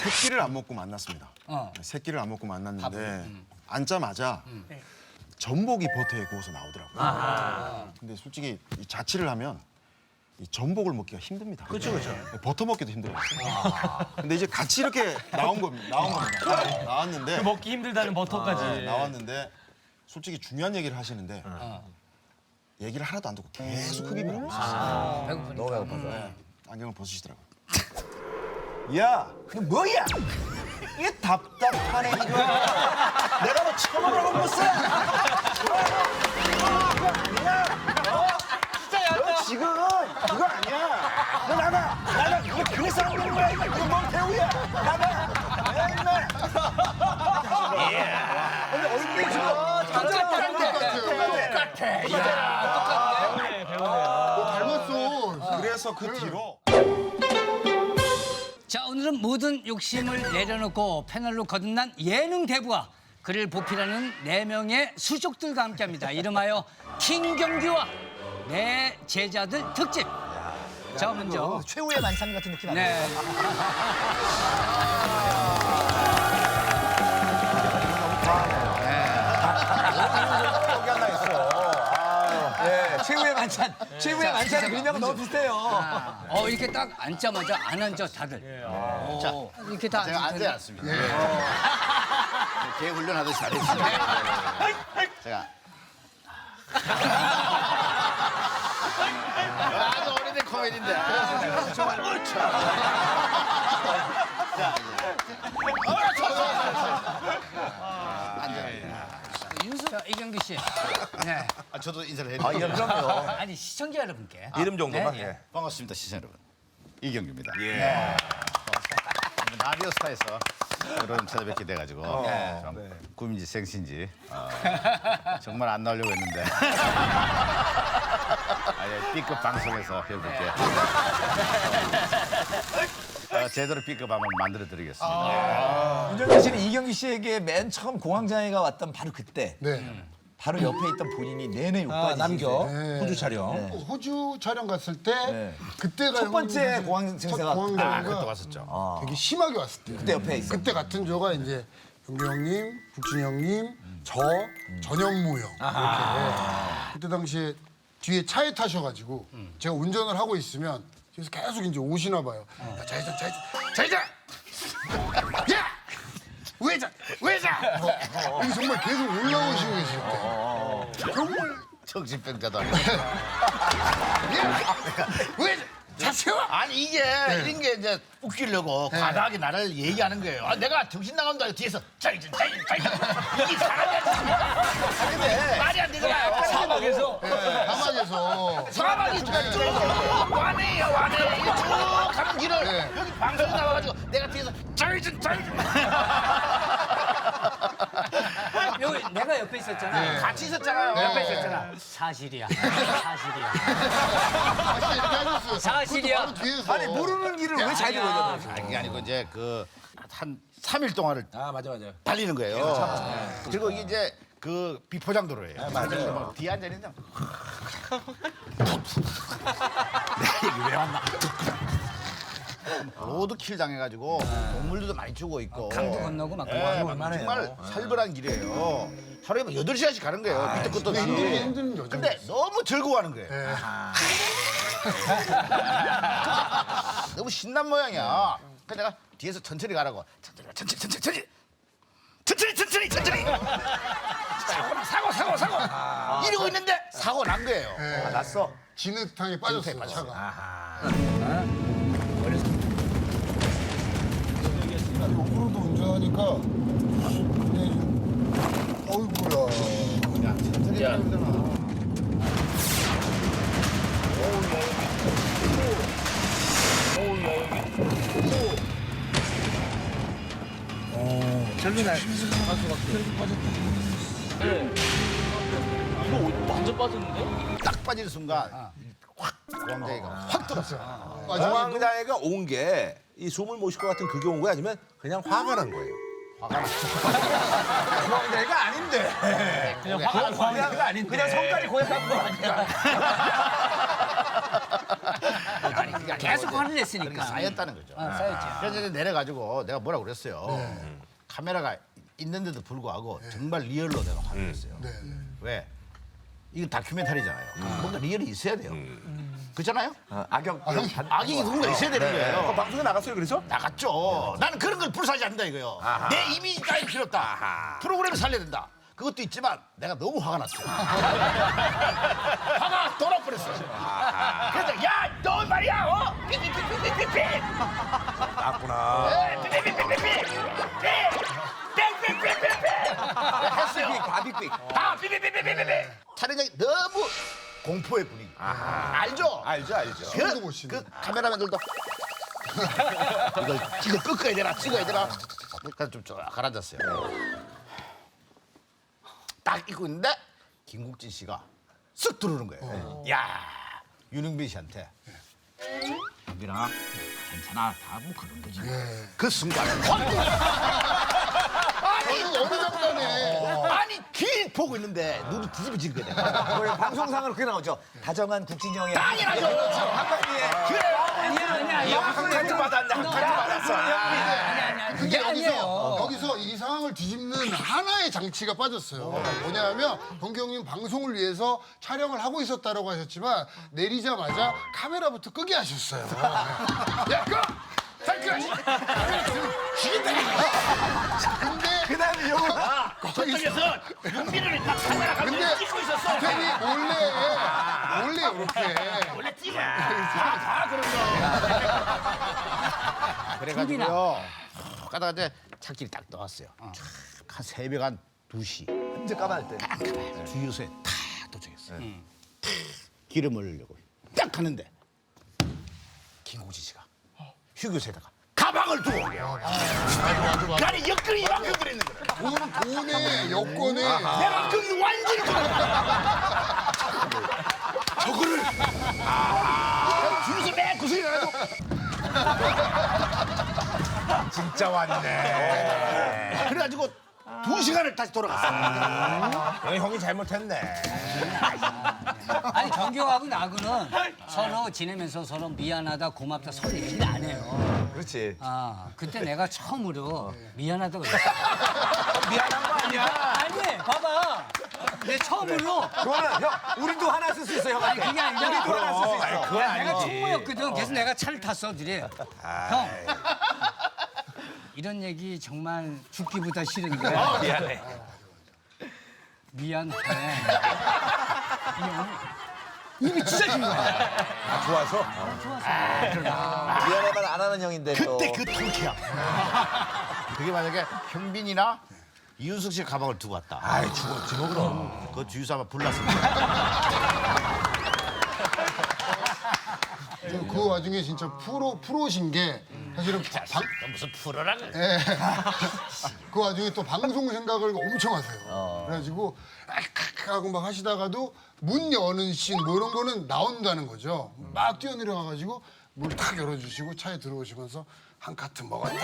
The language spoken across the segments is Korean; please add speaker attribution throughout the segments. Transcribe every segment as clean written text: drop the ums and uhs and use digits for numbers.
Speaker 1: 세 끼를 안 먹고 만났습니다. 세 끼를 안 먹고 만났는데 앉자마자 전복이 버터에 구워서 나오더라고요. 근데 솔직히 이 자취를 하면 이 전복을 먹기가 힘듭니다.
Speaker 2: 그렇죠.
Speaker 1: 버터 먹기도 힘들어요. 근데 이제 같이 이렇게 나온 겁니다. 나왔는데
Speaker 2: 먹기 힘들다는 버터까지.
Speaker 1: 나왔는데 솔직히 중요한 얘기를 하시는데 얘기를 하나도 안 듣고 계속 흡입을 하고 있었어요.
Speaker 3: 배고프니까. 너무 배고파서.
Speaker 1: 안경을 벗으시더라고요. 야, 너 뭐야? 이게 답답하네 이거. 내가 너 처음으로 못 써. 너 지금 그거 아니야. 너 나가. 이거 그래서 안 되는 거야. 이거 뭔 배우야. 나가. 맨날. 근데 얼굴이 지금
Speaker 4: 닮았어.
Speaker 1: 그래서 그 뒤로.
Speaker 3: 자, 오늘은 모든 욕심을 내려놓고 패널로 거듭난 예능 대부와 그를 보필하는 4명의 수족들과 함께합니다. 이름하여 킹경규와 내 제자들 특집. 자, 먼저
Speaker 5: 최후의 만찬 같은 느낌 아니에요?
Speaker 3: 네.
Speaker 1: 여기 하나 있어.
Speaker 5: 최후의 만찬. 최후의 만찬 일명 너무 비슷해요.
Speaker 3: 이렇게 딱 앉자마자 안 앉아 다들. 이렇게 다
Speaker 6: 제가
Speaker 3: 앉을 텐데.
Speaker 6: 앉아놨습니다. 개 훈련하듯이 잘했어요. 제가 아주 오래된 코미디인데 정말 옳죠.
Speaker 3: 자, 이경규 씨. 네.
Speaker 6: 저도 인사를 해드릴게요.
Speaker 5: 그럼요.
Speaker 3: 아니, 시청자 여러분께.
Speaker 2: 이름 정도만.
Speaker 3: 네.
Speaker 6: 반갑습니다, 시청 여러분. 이경규입니다. 네. 라디오 스타에서 여러분 찾아뵙게 돼가지고 좀 꿈인지 생신지 정말 안 나오려고 했는데 B급 방송에서 여러분께 제대로 B급 한번 만들어드리겠습니다.
Speaker 5: 윤정현 씨는 이경규 씨에게 맨 처음 공황장애가 왔던 바로 그때.
Speaker 4: 네.
Speaker 5: 바로 옆에 있던 본인이 내내 욕 빠지시는데.
Speaker 2: 남겨.
Speaker 4: 네.
Speaker 2: 호주 촬영.
Speaker 4: 호주 촬영 갔을 때
Speaker 5: 네.
Speaker 4: 그때가
Speaker 5: 첫 번째
Speaker 4: 형님
Speaker 5: 공황
Speaker 4: 첫
Speaker 5: 증세가
Speaker 4: 공황장애가
Speaker 6: 그때 왔었죠.
Speaker 4: 되게 심하게 왔을 때.
Speaker 5: 그때 옆에 있어.
Speaker 4: 그때 같은 조가 이제 영규 형님, 국진이 형님, 저, 전현무 형 이렇게. 그때 당시에 뒤에 차에 타셔가지고 제가 운전을 하고 있으면 그래서 계속 이제 오시나 봐요. 야, 좌회전. 야! 왜자! 이게 정말 계속 올라오시고 계실 때. 정말
Speaker 6: 정신병자도 아니고.
Speaker 4: 왜자! 자세요!
Speaker 6: 아니 이게 이런 게 이제 웃기려고 과다하게 나를 얘기하는 거예요. 내가 정신 나간다 뒤에서 짜이전 이게 사람이 아니야. 말이 안 되잖아요.
Speaker 3: 사막에서.
Speaker 4: 사막에서.
Speaker 6: 사람이 쭉 와네요. 이게 쭉 가는 길을 여기 방송에 나와가지고 내가 뒤에서 짜이전
Speaker 3: 여기 내가 옆에 있었잖아.
Speaker 6: 같이 있었잖아요.
Speaker 3: 옆에 있었잖아. 사실이야.
Speaker 4: 다시 이렇게 하셨어요.
Speaker 3: 사실이야.
Speaker 4: 바로 뒤에서.
Speaker 5: 아니 모르는 길을 왜 잘 들어요?
Speaker 6: 그게 아니고 이제 한 3일 동안을
Speaker 2: 맞아.
Speaker 6: 달리는 거예요. 그리고 이게 이제 그 비포장도로예요. 맞아요. 뒤에 앉아 있는 내 얘기 왜 왔나? 로드킬 당해가지고 동물들도 많이 죽어 있고
Speaker 3: 강도 건너고 막
Speaker 6: 정말 살벌한 길이에요. 하루에 8시간씩 가는 거예요. 밑에 끝도 없이.
Speaker 4: 힘든 여정.
Speaker 6: 근데 너무 즐거워하는 거예요. 너무 신난 모양이야. 그래서 내가 뒤에서 천천히 가라고. 천천히. 사고. 이러고 있는데 사고 난 거예요.
Speaker 2: 났어.
Speaker 4: 진흙탕에 빠졌어요, 차가. 오프로드 운전하니까 어이구야.
Speaker 6: 딱 빠지는 순간 확 공황장애가 확 들었어요.
Speaker 2: 공황장애가 온 게 이 숨을 못 쉴 것 같은 그게 온 거야 아니면 그냥 화가 난 거예요?
Speaker 5: 공황장애가 아닌데.
Speaker 3: 그냥 화가 아닌데.
Speaker 5: 그냥 성깔이 고약한 거 아니야.
Speaker 3: 계속 화를 냈으니까.
Speaker 6: 그러니까 쌓였다는 거죠.
Speaker 3: 쌓였지.
Speaker 6: 그래서 이제 내려가지고 내가 뭐라고 그랬어요. 카메라가 있는데도 불구하고 정말 리얼로 내가 화를 냈어요.
Speaker 4: 네.
Speaker 6: 왜? 이건 다큐멘터리잖아요. 뭔가 리얼이 있어야 돼요. 그렇잖아요? 악역이 누군가 있어야 되는 거예요.
Speaker 2: 방송에 나갔어요, 그래서?
Speaker 6: 나갔죠. 나는 그런 걸 불사지 않는다 이거요. 내 이미지 따위 필요 없다. 프로그램을 살려야 된다. 그것도 있지만 내가 너무 화가 났어요. 화가 돌아버렸어요. 그래서 야, 너 말이야, 삐삐삐삐삐삐.
Speaker 2: 났구나.
Speaker 6: 삐삐삐삐삐삐. 삐삐삐삐삐삐. 했어요. 다 삐삐삐삐삐삐. 촬영장이 너무 공포의 분위기. 알죠?
Speaker 2: 알죠.
Speaker 4: 숨도 못 쉬네.
Speaker 6: 그 카메라맨들도 이걸 꺾어야 되나 찍어야 되나 그러니까 좀 가라앉았어요. 딱 입고 있는데 김국진 씨가 쓱 들어오는 거예요. 야, 윤흥빈 씨한테 윤빈아 괜찮아 다 뭐 그런 거지. 그 순간 아니
Speaker 4: 어느 장단에
Speaker 6: 아니 길 보고 있는데 눈이 뒤집어진 거야.
Speaker 5: 방송상으로 그게 나오죠. 다정한 국진이 형의
Speaker 6: 당연하죠.
Speaker 3: 아니야.
Speaker 2: 같이 받았네. 같이 받았어.
Speaker 3: 아니야.
Speaker 4: 근데
Speaker 3: 그게 아니에요.
Speaker 4: 여기서 이 상황을 뒤집는 하나의 장치가 빠졌어요. 뭐냐면 경규 형님 방송을 위해서 촬영을 하고 있었다라고 하셨지만 내리자마자 카메라부터 끄게 하셨어요. 야, 끄! 잠깐! 카메라 죽인다! 근데
Speaker 2: 그다음에 형은
Speaker 6: 저쪽에서 윤빈을 딱 카메라
Speaker 4: 근데
Speaker 6: 감독이 찍고 있었어.
Speaker 4: 괜히 몰래 이렇게
Speaker 6: 원래 찍어. 다 그런 거. 그래가지고요. 가다가 이제 착지를 딱 나왔어요. 한 새벽 한 2시.
Speaker 5: 언제 까마할 때.
Speaker 6: 주유소에 다 도착했어요. 기름 올리려고 딱 하는데 김국진 씨가 휴게소에다가 가방을 두고 오게요. 아니 옆구리 이만큼 들어있는 거야.
Speaker 4: 돈에 여권에
Speaker 6: 내가 거기 완전히 저거를 주유소 맨 구석에 가가지고
Speaker 2: 진짜 왔네.
Speaker 6: 그래가지고 2시간을 다시 돌아갔어요.
Speaker 2: 형이 잘못했네.
Speaker 3: 아니 정규하고 나하고는 서로 지내면서 서로 미안하다 고맙다 서로 얘기를 안 해요.
Speaker 2: 그렇지.
Speaker 3: 아 그때 내가 처음으로 미안하다고 그랬어.
Speaker 2: 미안한 거 아니야.
Speaker 3: 아니 봐봐. 내 처음으로
Speaker 5: 그거는 형 우리도 하나 쓸 수 있어 형.
Speaker 3: 아니 그게 아니라
Speaker 5: 우리도 하나 쓸 수 있어.
Speaker 2: 그건
Speaker 3: 내가
Speaker 2: 아니지.
Speaker 3: 총무였거든. 그래서 내가 차를 탔어 둘이. 형 이런 얘기 정말 죽기보다 싫은데.
Speaker 2: 미안해.
Speaker 3: 미안해. 입이 찢어진 거야.
Speaker 2: 좋아서.
Speaker 5: 미안해만 안 하는 형인데 또.
Speaker 6: 그때 그 통쾌함. 그게 만약에 현빈이나 이윤석 씨 가방을 두고 왔다.
Speaker 2: 아이 죽었지 뭐 그럼.
Speaker 6: 그 주유소 아마 불났습니다.
Speaker 4: 그 와중에 진짜 프로신 게 사실은
Speaker 6: 무슨 프로라 그래.
Speaker 4: 예. 그 와중에 또 방송 생각을 엄청 하세요. 그래가지고 악 하고 막 하시다가도 문 여는 씬 뭐 이런 거는 나온다는 거죠. 막 뛰어내려가가지고 문 탁 열어주시고 차에 들어오시면서 한 카트 먹었다.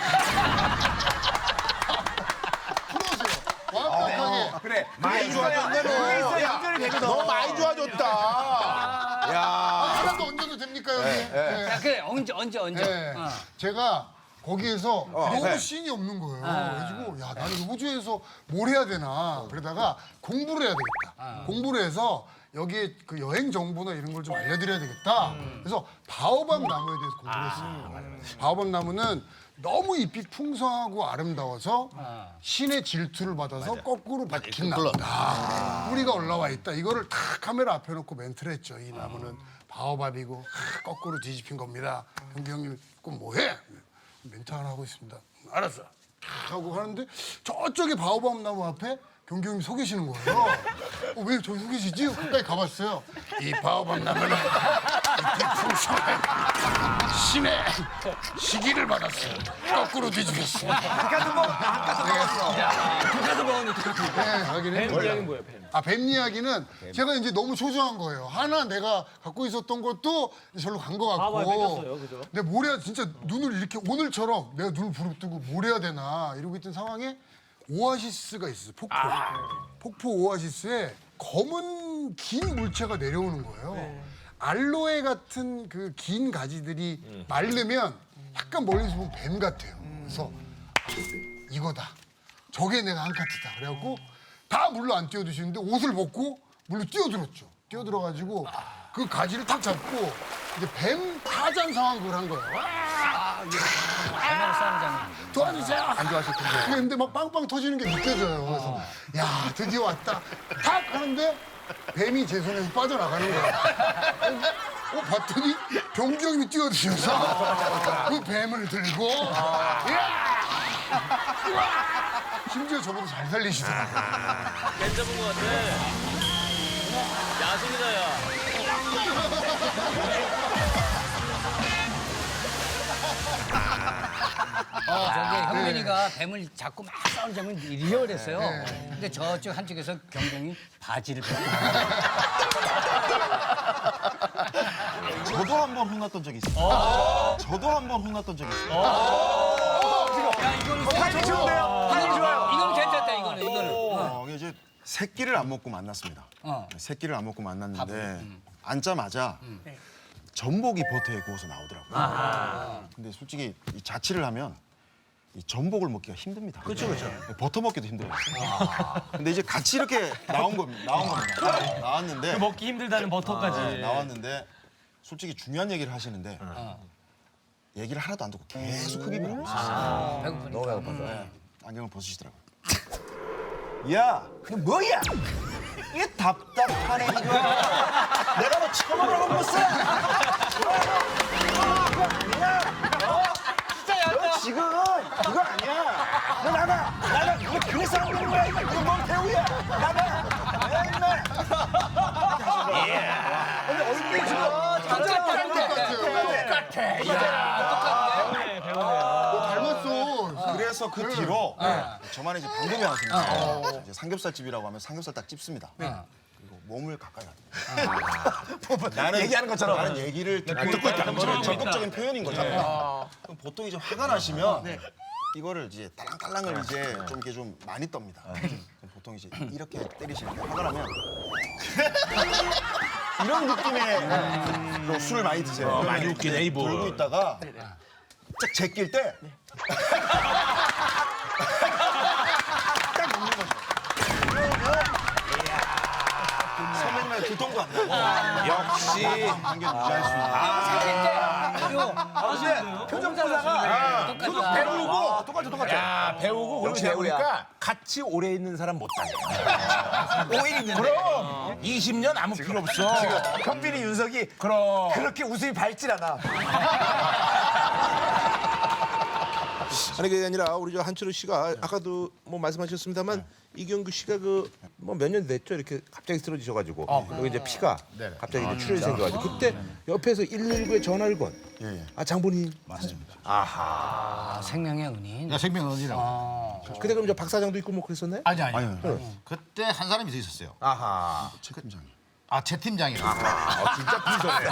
Speaker 4: 풀어서요. 완벽하게.
Speaker 2: 그래. 많이 좋아졌네 너. 야, 너 많이 좋아졌다. 야.
Speaker 4: 하나도 얹어도 됩니까 여기? 예.
Speaker 3: 야, 그래 언제.
Speaker 4: 예.
Speaker 3: 어.
Speaker 4: 제가 거기에서 너무
Speaker 2: 네.
Speaker 4: 씬이 없는 거예요. 그래가지고 야 나는 호주에서 뭘 해야 되나 그러다가 공부를 해야 되겠다. 공부를 해서 여기에 그 여행 정보나 이런 걸 좀 알려드려야 되겠다. 그래서 바오밥 나무에 대해서 공부를 했어요. 바오밥 나무는 너무 잎이 풍성하고 아름다워서 신의 질투를 받아서 거꾸로 박힌 나무다. 뿌리가 올라와 있다. 이거를 다 카메라 앞에 놓고 멘트를 했죠. 이 나무는 바오밥이고 거꾸로 뒤집힌 겁니다. 경기 형님 그럼 뭐해? 멘트 하나 하고 있습니다. 알았어. 탁 하고 하는데 저쪽에 바오밥 나무 앞에 경기 형님 서 계시는 거예요. 왜 저기 서 계시지? 가까이 가봤어요. 이 바오밥 나무는 잎이 풍성한 신의 시기를 받았어요. 거꾸로 뒤집혔어요.
Speaker 5: 한카드 먹었어.
Speaker 4: 네, 하긴 했는데. 뱀 이야기는 제가 이제 너무 초조한 거예요. 하나 내가 갖고 있었던 것도 절로 간 것 같고. 근데 뭘 해야 진짜 눈을 이렇게 오늘처럼 내가 눈을 부릅뜨고 뭘 해야 되나 이러고 있던 상황에 오아시스가 있어요. 폭포. 폭포 오아시스에 검은 긴 물체가 내려오는 거예요. 알로에 같은 그 긴 가지들이 마르면 약간 멀리서 보면 뱀 같아요. 그래서 이거다. 저게 내가 한카트다. 그래갖고 다 물로 안 뛰어드시는데 옷을 벗고 물로 뛰어들었죠. 뛰어들어가지고 그 가지를 탁 잡고 이제 뱀 타잔 상황을 한 거예요.
Speaker 3: 얼마나 싸우는 장면.
Speaker 4: 도와주세요. 안 좋아하실 텐데. 근데 막 빵빵 터지는 게 느껴져요. 그래서 야 드디어 왔다. 탁 하는데 뱀이 제 손에서 빠져나가는 거야. 봤더니 병기 형님이 뛰어드셔서 그 뱀을 들고 심지어 저보다 잘 살리시더라고요.
Speaker 7: 뱀 잡은 것 같아. 야생이다, 야.
Speaker 3: 저기 형민이가 뱀을 잡고 막 싸우는 장면이 리얼했어요. 근데 저쪽 한쪽에서 경경이 바지를 벗고.
Speaker 1: 저도 한 번 혼났던 적이 있어요. 저도 한 번 혼났던 적이 있어요.
Speaker 3: 야, 이거는 이거는 괜찮다, 이거는.
Speaker 1: 이게 이제 새끼를 안 먹고 만났습니다. 새끼를 안 먹고 만났는데 앉자마자 전복이 버터에 구워서 나오더라고요. 근데 솔직히 이 자취를 하면 이 전복을 먹기가 힘듭니다. 그렇죠. 버터 먹기도 힘들어요. 근데 이제 같이 이렇게 나온 겁니다. 나왔는데
Speaker 7: 먹기 힘들다는 버터까지.
Speaker 1: 나왔는데 솔직히 중요한 얘기를 하시는데 얘기를 하나도 안 듣고 계속 흡입을 하고 있었어요.
Speaker 3: 배고프니까.
Speaker 2: 너무 배고파서.
Speaker 1: 안경을 벗으시더라고요. 야, 그 뭐야? 이게 답답하네 이거. 내가 너 처음으로 본 것은 너 지금 그거 아니야. 너 나가. 너 그래서 안 되는 거야. 이거 뭔 배우야. 나가. 맨날. 근데 얼굴이 지금
Speaker 4: 닮았어.
Speaker 1: 그래서 그 뒤로 저만의 이제 방법이 하나 생겼어요. 이제 삼겹살집이라고 하면 삼겹살 딱 찝습니다. 그리고 몸을 가까이 가요. 나는 얘기하는 것처럼 나는 얘기를 듣고 있다. 적극적인 표현인 거잖아요. 그럼 보통 이제 화가 나시면 이거를 이제 딸랑딸랑을 이제 좀 이렇게 좀 많이 떱니다. 그럼 보통 이제 이렇게 때리시는데 화가 나면 이런 느낌의 또 술을 많이 드세요.
Speaker 2: 많이 웃기네, 이분.
Speaker 1: 돌고 있다가 딱 제낄 때 딱 먹는 거죠. 그러면 선배님의 두통도 안 나고
Speaker 2: 역시.
Speaker 1: 관계를 유지할 수 있는.
Speaker 2: 표정 보다가 배우고 똑같죠. 야, 배우고 그리고 제가 보니까 같이 오래 있는 사람 못 다녀. 5일 있는데. 그럼 20년 아무 필요 없어.
Speaker 5: 현빈이 윤석이
Speaker 2: 그럼.
Speaker 5: 그렇게 웃음이 밝질 않아.
Speaker 2: 아니 그게 아니라 우리 저 한철우 씨가 아까도 뭐 말씀하셨습니다만 이경규 씨가 그 뭐 몇 년 됐죠 이렇게 갑자기 쓰러지셔가지고 여기 이제 피가 갑자기 이제 출혈이 생겨가지고 그때 옆에서 119에 전화를 건.
Speaker 1: 예.
Speaker 2: 아 장본인.
Speaker 6: 맞습니다.
Speaker 3: 아, 생명의 은인.
Speaker 6: 생명원이라고.
Speaker 2: 그때 그럼 저 박 사장도 있고 뭐 그랬었나요?
Speaker 6: 아니.
Speaker 1: 아니요.
Speaker 6: 그때 한 사람이 더 있었어요.
Speaker 2: 아하.
Speaker 1: 최 팀장이.
Speaker 6: 최 팀장이라고.
Speaker 2: 진짜 분석해.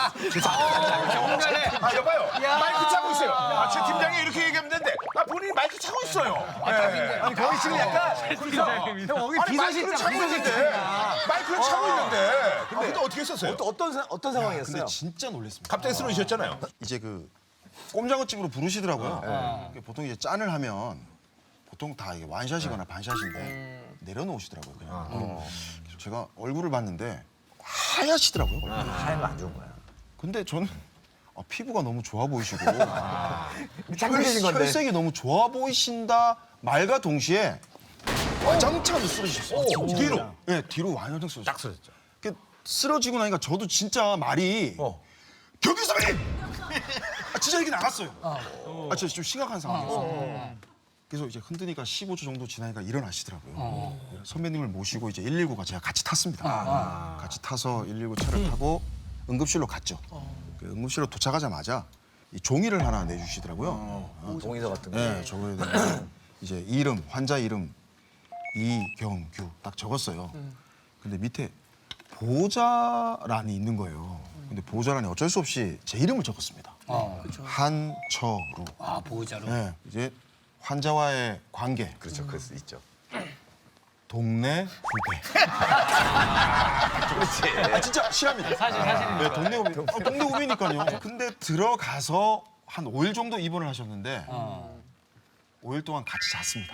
Speaker 2: 아 여봐요. 마이크 차고 있어요. 최 팀장이 이렇게 얘기하면 되는데 본인이 마이크 차고 있어요. 아니 거기 지금 약간 형 거기 비서실장 차고 있는데 마이크를 차고 있는데 근데 어떻게 했었어요?
Speaker 5: 어떤 상황이었어요?
Speaker 1: 근데 진짜 놀랐습니다.
Speaker 2: 갑자기 쓰러지셨잖아요.
Speaker 1: 이제 그 꼼장어집으로 부르시더라고요. 보통 이제 짠을 하면 보통 다 이게 완샷이거나 반샷인데 내려놓으시더라고요. 그냥. 그래서 제가 얼굴을 봤는데 하얗시더라고요.
Speaker 5: 하얀 거 안 좋은 거야.
Speaker 1: 근데 저는 피부가 너무 좋아 보이시고
Speaker 5: 장난이신 건데.
Speaker 1: 혈색이 너무 좋아 보이신다 말과 동시에 와장창 쓰러지셨어요.
Speaker 2: 뒤로.
Speaker 1: 네, 뒤로 완전 쓰러졌어요.
Speaker 2: 딱 쓰러졌죠.
Speaker 1: 쓰러지고 나니까 저도 진짜 말이 경규 선배님! 진짜 이렇게 나갔어요. 진짜 좀 심각한 상황이었어요. 그래서 이제 흔드니까 15초 정도 지나니까 일어나시더라고요. 선배님을 모시고 이제 119가 제가 같이 탔습니다. 같이 타서 119 차를 타고 응급실로 갔죠. 그 응급실로 도착하자마자 이 종이를 하나 내주시더라고요.
Speaker 5: 동의서 같은 거.
Speaker 1: 네, 저거에 이제 이름, 환자 이름 이경규 딱 적었어요. 근데 밑에 보호자란이 있는 거예요. 근데 보호자란에 어쩔 수 없이 제 이름을 적었습니다. 한철우.
Speaker 3: 보호자로.
Speaker 1: 네, 이제 환자와의 관계.
Speaker 5: 그렇죠. 그럴 수 있죠.
Speaker 1: 동네 후배. 그렇지. 아, 진짜 실합니다.
Speaker 7: 사실입니다.
Speaker 1: 네, 동네 후배. 동네 후배니까요. 근데 들어가서 한 5일 정도 입원을 하셨는데 5일 동안 같이 잤습니다.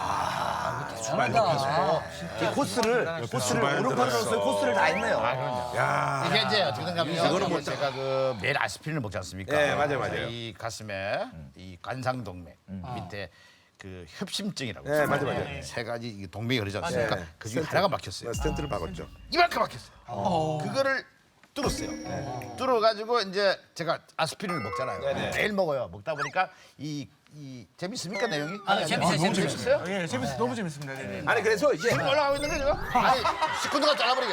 Speaker 5: 코스를 오른팔로서 코스를 다 했네요.
Speaker 6: 이게 이제 어떻게 된가면 제가 그 매일 아스피린을 먹지 않습니까?
Speaker 2: 네, 맞아요.
Speaker 6: 이 가슴에 이 관상동맥 밑에 그 협심증이라고
Speaker 2: 네,
Speaker 6: 있어요.
Speaker 2: 맞아요.
Speaker 6: 세 가지 이 동맥이 흐르지 않습니까? 그 중에 하나가 막혔어요.
Speaker 2: 스텐트를 박았죠.
Speaker 6: 이만큼 막혔어요. 그거를 뚫었어요. 뚫어가지고 이제 제가 아스피린을 먹잖아요. 매일 먹어요. 먹다 보니까 이 재밌습니까 내용이?
Speaker 3: 재밌어요.
Speaker 8: 예, 재밌어. 너무 재밌습니다. 네.
Speaker 2: 아니 그래서 이제
Speaker 6: 지금 올라가고 있는 거죠? 아니 식구들과 잘라버리게.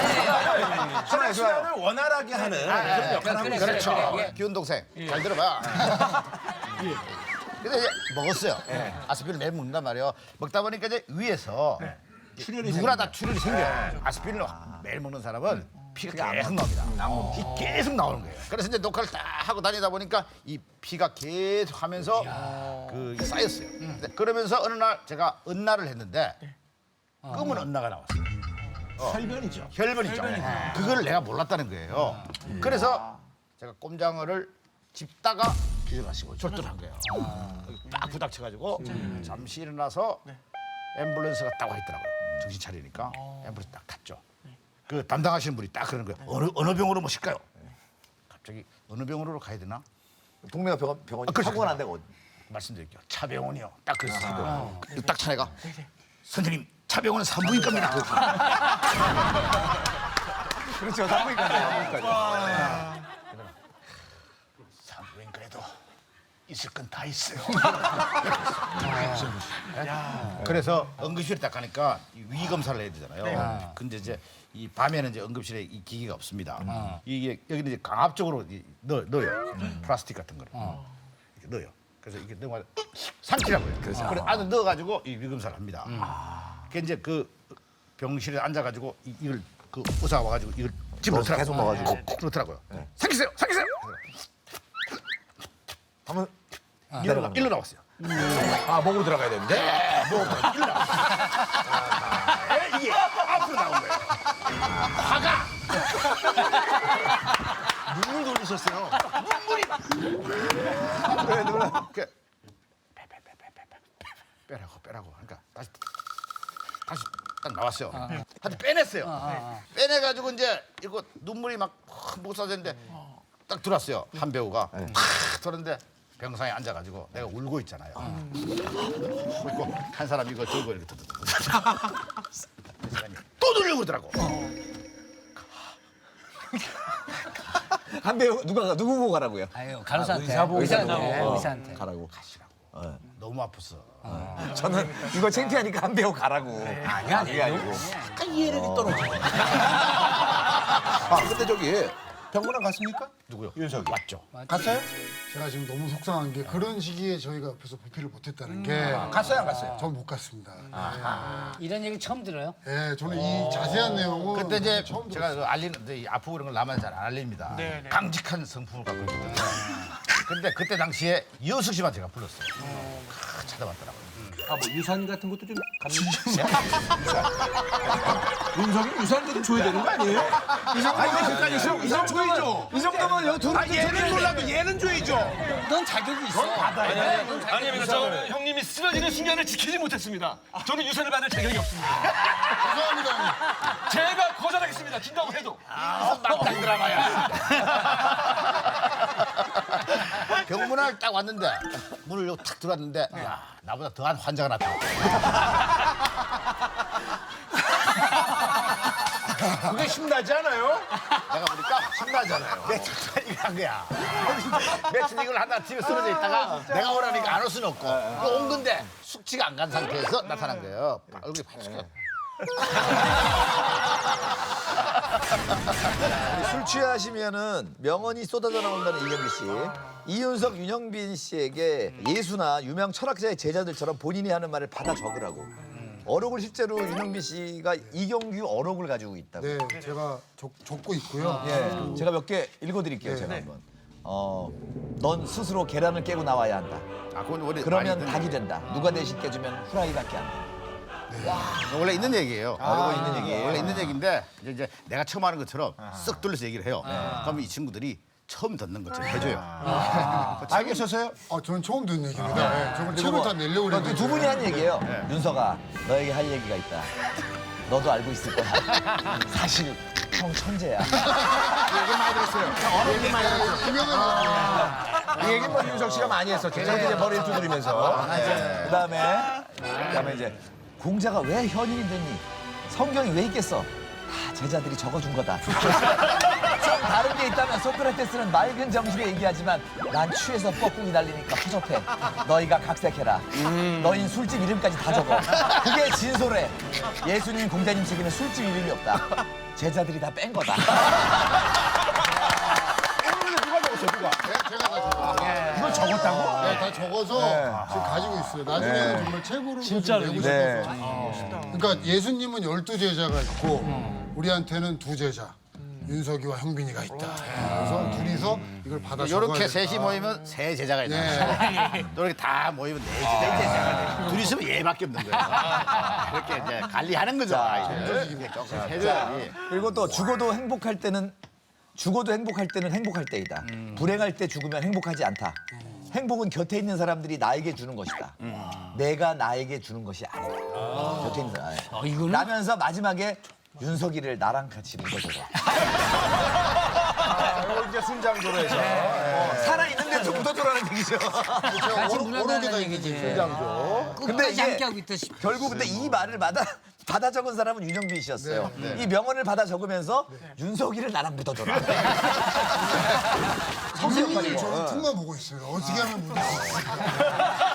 Speaker 2: 혈액순환을 원활하게 하는 그런 역할을 하고 있어요.
Speaker 6: 그렇죠. 기훈 동생 잘 들어봐. 근데 이제 먹었어요. 아스피린 매일 먹는단 말이에요. 먹다 보니까 이제 위에서 누구나 다 출혈이 생겨요. 아스피린을 매일 먹는 사람은 피가 계속 나옵니다. 계속 나오는 거예요. 그래서 이제 녹화를 딱 하고 다니다 보니까 이 피가 계속 하면서 그 쌓였어요. 근데 그러면서 어느 날 제가 은나를 했는데 검은 은나가 나왔어요. 혈변이죠. 혈변이죠. 그걸 내가 몰랐다는 거예요. 그래서 제가 꼼장어를 집다가 기절하시고 절도를 한 거예요. 딱 부닥쳐가지고 잠시 일어나서 앰뷸런스가 딱 와 있더라고요. 정신 차리니까 앰뷸런스 딱 탔죠. 그 담당하시는 분이 딱 그러는 거예요. 어느 병으로 모실까요? 갑자기 어느 병으로 가야 되나?
Speaker 5: 동네가 병원이
Speaker 6: 그렇죠.
Speaker 5: 사고가 난 데가 어디?
Speaker 6: 말씀드릴게요. 차병원이요. 딱 그랬어요. 딱 차내가 선생님 차병원은 산부인 겁니다.
Speaker 2: 그렇죠. 산부인과죠.
Speaker 6: 산부인과에도 있을 건 다 있어요. 그래서 응급실에 딱 가니까 위 검사를 해야 되잖아요. 근데 이제 이 밤에는 이제 응급실에 이 기기가 없습니다. 이게 여기는 이제 강압적으로 넣어요. 플라스틱 같은 거를 이렇게 넣어요. 그래서 이게 넣어 삼키라고요. 그래서 안에 넣어가지고 이 위 검사를 합니다. 그 이제 그 병실에 앉아가지고 이걸 그 의사가 와가지고 이걸 집어넣더라고요.
Speaker 5: 계속 넣어가지고.
Speaker 6: 콕콕 넣더라고요. 삼키세요, 삼키세요.
Speaker 5: 한번
Speaker 6: 일로 나왔어요.
Speaker 2: 아 목으로 들어가야 되는데.
Speaker 6: 일로 나왔어요. 이게 앞으로 나온 거예요.
Speaker 1: 눈물 돌리셨어요.
Speaker 6: 그 빼라고 그러니까 다시 딱 나왔어요. 한테 빼냈어요. 빼내가지고 이제 이거 눈물이 막 못 쏟아졌는데 딱 들어왔어요. 한 배우가 탁 들었는데 병상에 앉아가지고 내가 울고 있잖아요. 울고 한 사람 이거 들고 이렇게 또 누르려고 그러더라고.
Speaker 5: 한 배우 누구 보고 가라고요?
Speaker 3: 아유, 간호사한테. 의사한테.
Speaker 5: 가라고.
Speaker 6: 너무 아팠어.
Speaker 5: 저는 이거 창피하니까 한 배우 가라고. 그게 아니고.
Speaker 2: 아 근데 저기 병원에 갔습니까?
Speaker 6: 누구요?
Speaker 2: 윤석이.
Speaker 6: 맞죠.
Speaker 2: 갔어요?
Speaker 4: 제가 지금 너무 속상한 게 그런 시기에 저희가 옆에서 보필을 못했다는 게
Speaker 2: 갔어요 안 갔어요?
Speaker 4: 전 못 갔습니다.
Speaker 3: 이런 얘기 처음 들어요?
Speaker 4: 예, 저는 이 자세한 내용은
Speaker 6: 그때 이제
Speaker 4: 처음 들었어요.
Speaker 6: 제가 그 알리는 이 아프고 그런 걸 남한테 잘 안 알립니다. 강직한 성품을 갖고 있거든요. 근데 그때 당시에 이호숙 씨만 제가 불렀어요. 찾아봤더라고요.
Speaker 2: 아 뭐 유산 같은 것도 좀 윤석이 유산도 좀 줘야 되는 거 아니에요? 유산 줘야죠. 이 정도면 여기 돈 얘는 몰라도 얘는 줘야죠.
Speaker 3: 넌 자격이 있어.
Speaker 7: 아니면 저 형님이 쓰러지는 순간을 지키지 못했습니다. 저는 유산을 받을 자격이 없습니다.
Speaker 4: 죄송합니다.
Speaker 7: 제가 거절하겠습니다. 준다고 해도.
Speaker 6: 막장 드라마야. 병문안 딱 왔는데 문을 요 탁 들어왔는데 야 나보다 더한 환자가 나타났다.
Speaker 2: 그게 신나지 않아요?
Speaker 6: 내가 보니까 신나잖아요. 며칠 이걸 한 거야. 며칠 이걸 하다 집에 쓰러져 있다가 내가 오라니까 안 올 수는 없고 온 건데 숙취가 안 간 상태에서 나타난 거예요. 얼굴이 파랗게.
Speaker 5: 술 취하시면은 명언이 쏟아져 나온다는 이경규 씨. 이윤석, 윤영빈 씨에게 예수나 유명 철학자의 제자들처럼 본인이 하는 말을 받아 적으라고. 어록을 실제로 윤영빈 씨가 이경규 어록을 가지고 있다고.
Speaker 4: 네, 제가 적고 있고요.
Speaker 5: 예, 제가 몇 개 읽어드릴게요. 제가 한번. 넌 스스로 계란을 깨고 나와야 한다.
Speaker 6: 아, 그건 원래
Speaker 5: 그러면
Speaker 6: 많이
Speaker 5: 닭이 된다. 누가 대신 깨주면 후라이밖에 안 돼.
Speaker 6: 원래 있는 얘기예요.
Speaker 5: 이거 있는 얘기.
Speaker 6: 원래 있는 얘기인데 이제 내가 처음 하는 것처럼 쓱 돌려서 얘기를 해요. 그러면 이 친구들이 처음 듣는 것처럼 해줘요.
Speaker 2: 알겠었어요?
Speaker 4: 저는 처음 듣는 얘기입니다. 네, 저걸 책을 다 내려고 그랬는데.
Speaker 5: 두 분이 한 얘기예요. 윤서가 너에게 할 얘기가 있다. 너도 알고 있을 거야. 사실 형 천재야.
Speaker 2: 얘기 많이 들었어요. 얘기 많이 들었어요.
Speaker 4: 유명한
Speaker 2: 이 얘기는 뭐 윤석 씨가 많이 했었죠. 저한테 이제 머리를 두드리면서.
Speaker 5: 그다음에 이제 공자가 왜 현인이 됐니? 성경이 왜 있겠어? 다 제자들이 적어준 거다. 좀 다른 게 있다면 소크라테스는 맑은 정신에 얘기하지만 난 취해서 뻐꾸기 날리니까 허접해. 너희가 각색해라. 너희 술집 이름까지 다 적어. 그게 진솔해. 예수님 공자님 책에는 술집 이름이 없다. 제자들이 다 뺀 거다.
Speaker 2: 누가 적었어요, 누가?
Speaker 4: 제가 다 적었어요.
Speaker 2: 이걸 적었다고?
Speaker 4: 네, 다 적어서 지금 가지고 있어요. 나중에는 정말 책으로 진짜로 내고 싶어서. 그러니까 예수님은 12제자가 있고 우리한테는 2제자. 윤석이와 형빈이가 있다. 그래서 둘이서 이걸 받아 적어야
Speaker 6: 이렇게
Speaker 4: 된다.
Speaker 6: 셋이 모이면 세 제자가 있는 또 이렇게 다 모이면 네 제자가 돼. 둘이 있으면 얘밖에 없는 거예요. 그렇게 이제 관리하는 거죠. 이제 조금 해줘야지.
Speaker 5: 그리고 또 죽어도 행복할 때는 행복할 때이다. 불행할 때 죽으면 행복하지 않다. 행복은 곁에 있는 사람들이 나에게 주는 것이다. 내가 나에게 주는 것이 아니다. 곁에 있는 사람.
Speaker 3: 이거는
Speaker 5: 라면서 마지막에 윤석이를 나랑 같이 묻어줘라.
Speaker 2: 이거 이제 순장조로 해서.
Speaker 5: 살아있는데도 묻어줘라는 얘기죠.
Speaker 3: 같이 문화다는
Speaker 4: 오록에다
Speaker 3: 얘기지.
Speaker 2: 순장조.
Speaker 5: 근데
Speaker 3: 끝까지
Speaker 5: 이게
Speaker 3: 함께 하고 있다 싶어.
Speaker 5: 결국 근데 이 말을 받아 적은 사람은 윤영빈 씨였어요. 이 명언을 받아 적으면서 윤석이를 나랑 묻어줘라.
Speaker 4: 선생님이 저는 틈만 보고 있어요. 어떻게 하면 묻을 수 있을까.